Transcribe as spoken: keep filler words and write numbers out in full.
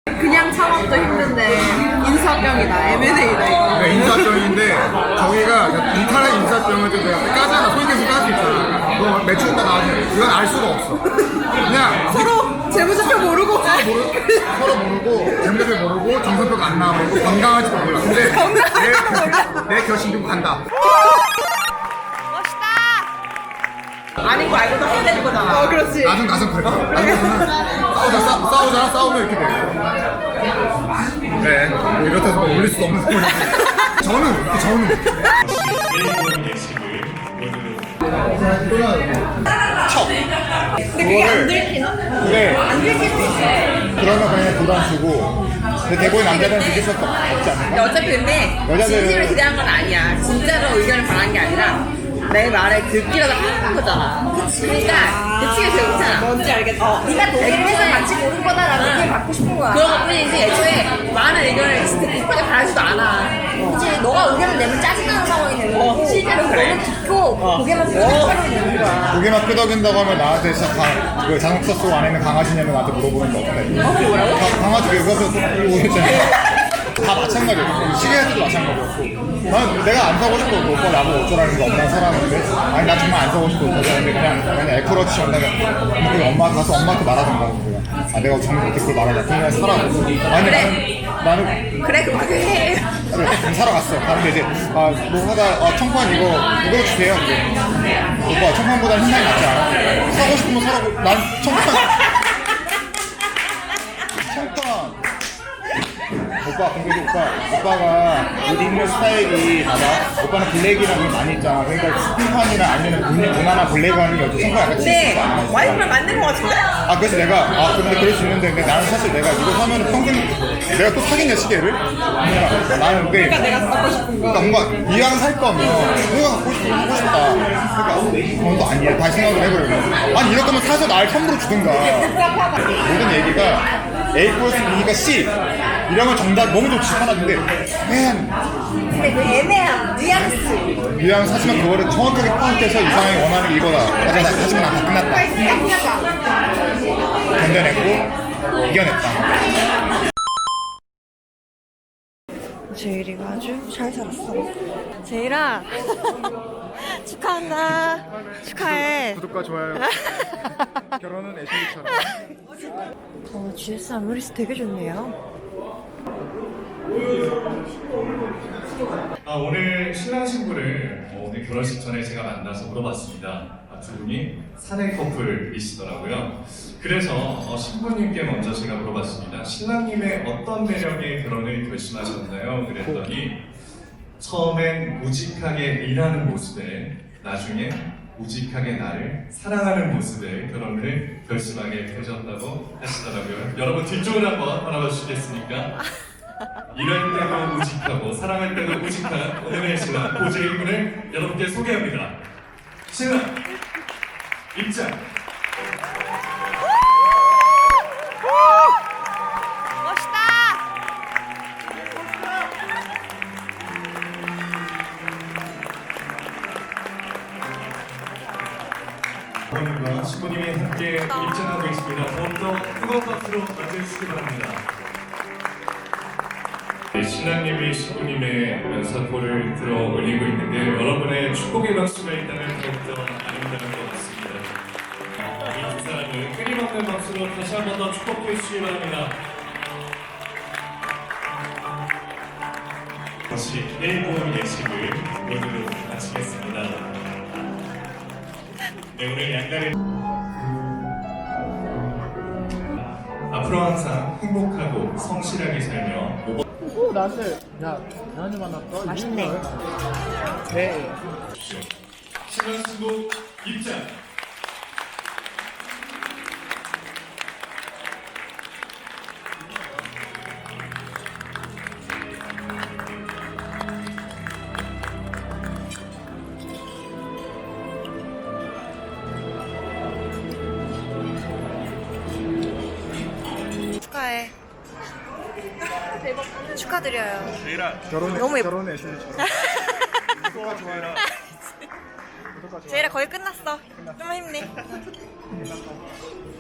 그냥 창업도 힘든데 인사병이다. 엠앤에이다 이거. 네, 인사병인데 저희가 인터넷 인사병을 좀 내가 까잖아. 소위계수 깔 수 있잖아. 너 매출가 나중에 이건 알 수가 없어. 그냥 서로 재무제표 모르고 서로 모르고 서로 모르고 재무제표 모르고 정산표가 안 나오고 건강할지도 몰라. 근데 내, 내 결심 좀 간다. 아닌 거 알고 다 혼내는 거잖아. 어, 그렇지. 나중 나중 그래. 나중에는 싸우자 싸, 싸우잖아. 싸우면 이렇게 돼. 그래. 뭐 이렇다고 뭐 올릴 수도 없는 소리지. 저는 저는 척. 근데 그게 안 들키나? 그래. 안 들킬 수 있어. 그러면 그냥 부담 주고. 근데 대부분 남자들은 느낄 수 없지 않을까? 어차피 근데 여자들은- 진심을 기대한 건 아니야. 진짜로 의견을 바란 게 아니라 내 말을 듣기라도 하는 거잖아. 그치. 그러니까 그치가 제일 좋잖아. 뭔지 알겠다. 어. 네가 동의를 해서 같이 고른 거다라는 의견을 받고 싶은 거야. 그런 것 뿐이지 애초에 많은 의견을 진짜 급하게 바라지도 않아. 그치. 너가 의견을 내면 짜증나는 상황이 되는 거고 실제로 너는 듣고 고개만 끄덕이는 상황이 되는 거야. 고개만 끄덕인다고 하면 나한테 진짜 강, 그 자동차 속 안에 있는 강아지냐면 나한테 물어보는 거 어때? 어? 그게 뭐라고? 가- 강아지 왜 그래서 이러고 있잖아. 다 마찬가지야. 시계 할 때도 마찬가지였고. 난 내가 안 사고 싶어. 그 오빠 나보고 어쩌라는 거 엄마는 사라는데 아니 나 정말 안 사고 싶어. 어쩌라는데 그냥 그냥 애플워치 온다면 그 엄마 가서 엄마한테 말하던가. 그냥. 아 내가 정말 어떻게 그걸 말하냐. 그냥 사라고. 아니 그래. 나는 나는 그래 그럼 그렇게 해. 그래, 사러 갔어. 갔는데 이제 아 뭐 하다 아 청판 이거 이거 주세요. 이제 오빠 청판보다 흰살이 낫지 않아? 사고 싶으면 사라고. 난 청판 청판 오빠 근데 오빠 오빠가 옷 입는 스타일이 봐봐. 오빠는 블랙이랑 걸 많이 있잖아. 그러니까 흰판이나 아니면 문- 무난한 블랙이랑 여기 청판 약간 근데 칠수 있잖아. 와이프를 만드는 거 같은데? 아 그래서 내가 아 근데 그럴 수 있는데 근데 나는 사실 내가 이거 사면은 평생 내가 또 사겠냐 시계를? 아니야 나는 근데 그러니까 내가 갖고 싶은 거. 그러니까 뭔가 이왕 살 거면 내가 갖고 싶어 하고 싶다. 그러니까 그건 또 아니야. 다시 생각을 해보려면 아니 이럴 거면 사서 날 선물로 주든가. 모든 얘기가 A 플러스 B니까 C 이러면 정답 너무 좋지 하나인데 맨 근데 그 애매한 뉘앙스. 이왕 사지만 그거를 정확하게 파악해서 이 사람이 원하는 이거다. 하지만 나- 하지만 나 다 끝났다. 견뎌냈고 이겨냈다. 제일이가 아주 잘 살았어. 제일아 축하한다. 축하해. 구독과 좋아요. 결혼은 애슐리처럼. 어, 지에스 아모리스 되게 좋네요. 아, 오늘 신랑 신부를 어, 오늘 결혼식 전에 제가 만나서 물어봤습니다. 아, 두 분이 사내 커플이시더라고요. 그래서 어, 신부님께 먼저 제가 물어봤습니다. 신랑님의 어떤 매력에 결혼을 결심하셨나요? 그랬더니 처음엔 우직하게 일하는 모습에 나중에 우직하게 나를 사랑하는 모습에 결혼을 결심하게 되셨다고 하시더라고요. 여러분 뒤쪽을 한번 바라봐 주시겠습니까? 일할 때도 우직하고 사랑할 때도 우직한 오늘의 신랑 고재일 군을 여러분께 소개합니다. 신랑 입장. 부모님과 신부님이 함께 입장하고 있습니다. 더욱더 뜨거운 박수로 맞이해주시기 바랍니다. 네, 신랑님이 신부님의 면사포를 들어 올리고 있는데 여러분의 축복의 박수가 있다면 더욱더 아름다운 것 같습니다. 이 두 사람을 끊임없는 박수로 다시 한 번 더 축복해 주시기 바랍니다. 다시 일본 예식을 모두 마치겠습니다. 네, 오늘 양날의 앞으로 항상 행복하고 성실하게 살며 오 나스. 야 나한테 만났어. 맛있네. 네. 신랑 신부 입장. 축하해. 축하드려요. 결혼 너무 예뻐. 결혼 애슐리처럼. 구독과 좋아요. 제일아 거의 끝났어. 좀만 힘내.